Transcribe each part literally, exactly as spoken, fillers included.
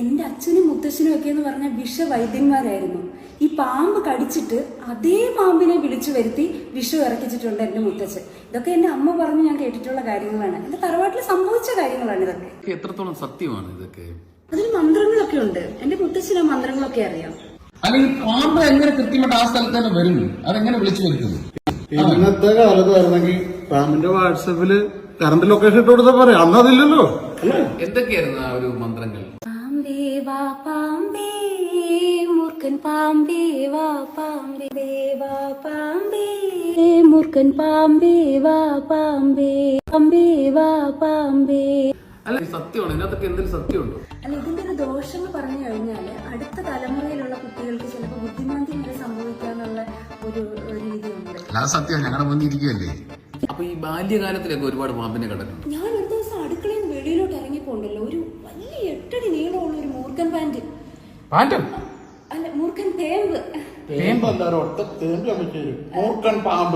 എൻ്റെ അച്ഛനും മുത്തച്ഛനും ഒക്കെ എന്ന് പറഞ്ഞാൽ വിഷവൈദ്യന്മാരായിരുന്നു. ഈ പാമ്പ് കടിച്ചിട്ട് അതേ പാമ്പിനെ വിളിച്ചു വരുത്തി വിഷം ഇറക്കിച്ചിട്ടുണ്ട് എൻ്റെ മുത്തച്ഛൻ. ഇതൊക്കെ എൻ്റെ അമ്മ പറഞ്ഞ് ഞാൻ കേട്ടിട്ടുള്ള കാര്യങ്ങളാണ്. എൻ്റെ തറവാട്ടിൽ സംഭവിച്ച കാര്യങ്ങളാണ് ഇതൊക്കെ. എത്രത്തോളം സത്യമാണ് ഇതൊക്കെ? അതിൽ മന്ത്രങ്ങളൊക്കെ ഉണ്ട്. എൻ്റെ മുത്തച്ഛന് മന്ത്രങ്ങളൊക്കെ അറിയാം. അല്ലെങ്കിൽ പാമ്പ് എങ്ങനെ കൃത്യമായിട്ട് ആ സ്ഥലത്ത് തന്നെ വരുന്നു? അതെങ്ങനെ വിളിച്ചു വരുന്നത്? ഇന്നത്തെ കാലത്ത് വരുന്നെങ്കിൽ പാമ്പിന്റെ വാട്സപ്പില് കറണ്ട് ലൊക്കേഷൻ ഇട്ട് കൊടുത്താൽ പറയാം. അന്ന് അതില്ലല്ലോ. എന്തൊക്കെയായിരുന്നു ആ ഒരു മന്ത്രങ്ങൾ? പാമ്പേ വാ പാമ്പേ മൂർഖൻ പാമ്പേ വാ പാമ്പേ വാ പാമ്പേ മൂർഖൻ പാമ്പേ വാ പാമ്പേ പാമ്പേ വാ പാമ്പേ. അല്ല, സത്യമാണ്. ഇതിനകത്തൊക്കെ എന്തെങ്കിലും സത്യമുണ്ടോ? അല്ല, ഇതിന്റെ ഒരു ദോഷം എന്ന് പറഞ്ഞു കഴിഞ്ഞാല് അടുത്ത തലമുറയിലുള്ള കുട്ടികൾക്ക് ചിലപ്പോൾ ബുദ്ധിമാന്ദ്യം വരെ സംഭവിക്കാനുള്ള ഒരു രീതിയുണ്ട്. അല്ലാതെ സത്യം ഞങ്ങളുടെ മുന്നിൽ ഇരിക്കുകയല്ലേ. അപ്പൊ ഈ ബാല്യകാലത്തിലൊക്കെ ഒരുപാട് പാമ്പിനെ കണ്ടിട്ടുണ്ട്. ഞാൻ ഒരു ദിവസം അടുക്കളയിൽ നിന്ന് വെളിയിലോട്ട് ഇറങ്ങിപ്പോണ്ടല്ലോ, ഒരു വലിയ എട്ടടി നീളമുള്ള ഒരു മൂർഖൻ പാൻറ്. അല്ല, മൂർഖൻ തേമ്പ്. മൂർഖൻ പാമ്പ്.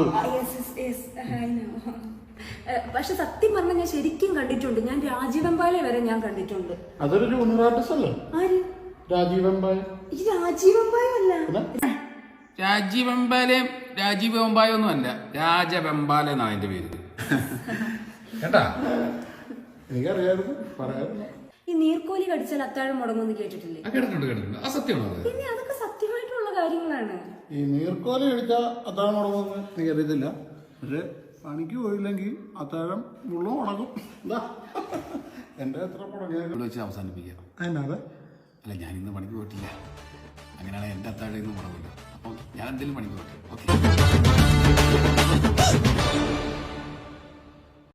പക്ഷെ സത്യം പറഞ്ഞാൽ ഞാൻ ശരിക്കും കണ്ടിട്ടുണ്ട്. ഞാൻ രാജീവമ്പാലെ വരെ ഞാൻ കണ്ടിട്ടുണ്ട്. അതൊരു ജൂനിയർ ആർട്ടിസ്റ്റ് അല്ലേ? ആര്? രാജീവമ്പായ. ഈ രാജീവമ്പായ അല്ല, രാജീവെമ്പാലയും രാജീവ് വെമ്പായ ഒന്നും അല്ല, രാജവെമ്പാല എന്നാണ് അതിന്റെ പേര്. കേട്ടാ, എനിക്കറിയായിരുന്നു, പറയായിരുന്നു. ഈ നീർക്കോലി കടിച്ചാൽ അത്താഴം മുടങ്ങുമെന്ന് കേട്ടിട്ടില്ലേ? കേട്ടിട്ടുണ്ട് കേട്ടിട്ടുണ്ട് ആ സത്യമാണോ? പിന്നെ അതൊക്കെ സത്യമായിട്ടുള്ള കാര്യങ്ങളാണ്. ഈ നീർക്കോലി കഴിച്ചാൽ അത്താഴം മുടങ്ങുമെന്ന് എനിക്ക് അറിയത്തില്ല. പക്ഷെ പണിക്ക് പോയില്ലെങ്കിൽ അത്താഴം മുള്ളും ഉണങ്ങും. എന്താ എന്റെ എത്ര മുടങ്ങിയ വെച്ച് അവസാനിപ്പിക്കാം. അതിനാതെ അല്ല, ഞാൻ ഇന്ന് പണിക്ക് പോയിട്ടില്ല. അങ്ങനെയാണെങ്കിൽ എന്റെ അത്താഴം ഇന്ന് മുടങ്ങില്ല. അപ്പം ഞാൻ എന്തെങ്കിലും പണിക്ക് പോട്ടെ. ഓക്കെ.